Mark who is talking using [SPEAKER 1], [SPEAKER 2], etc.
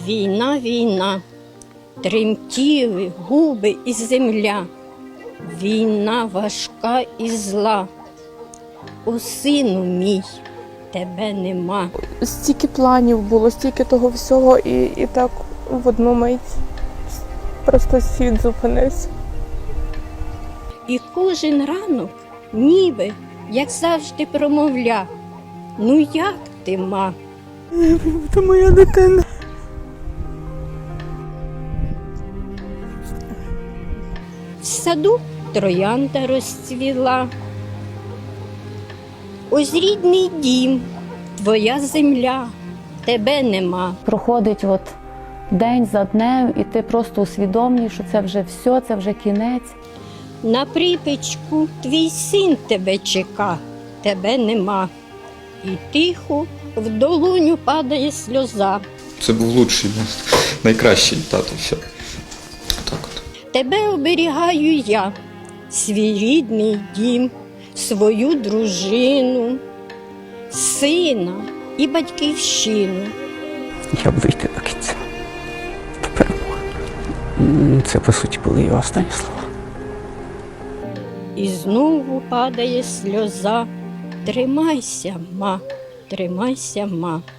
[SPEAKER 1] Війна, війна, тремтіли губи і земля. Війна важка і зла. О, сину мій, тебе нема.
[SPEAKER 2] Стільки планів було, стільки того всього, і так в одну мить просто світ зупинився.
[SPEAKER 1] І кожен ранок ніби, як завжди, промовля: ну як ти, ма?
[SPEAKER 2] Це моя дитина.
[SPEAKER 1] В саду троянда розцвіла. Ось рідний дім, твоя земля, тебе нема.
[SPEAKER 3] Проходить день за днем, і ти просто усвідомлюєш, що це вже все, це вже кінець.
[SPEAKER 1] На припічку твій син тебе чека, тебе нема. І тихо в долоню падає сльоза.
[SPEAKER 4] Це був лучший, найкращий тато. Все. Так от.
[SPEAKER 1] Тебе оберігаю я, свій рідний дім, свою дружину, сина і батьківщину.
[SPEAKER 5] Я буду йти до кінця. До перемоги. Це, по суті, були його останні слова.
[SPEAKER 1] І знову падає сльоза. Тримайся, ма, тримайся, ма.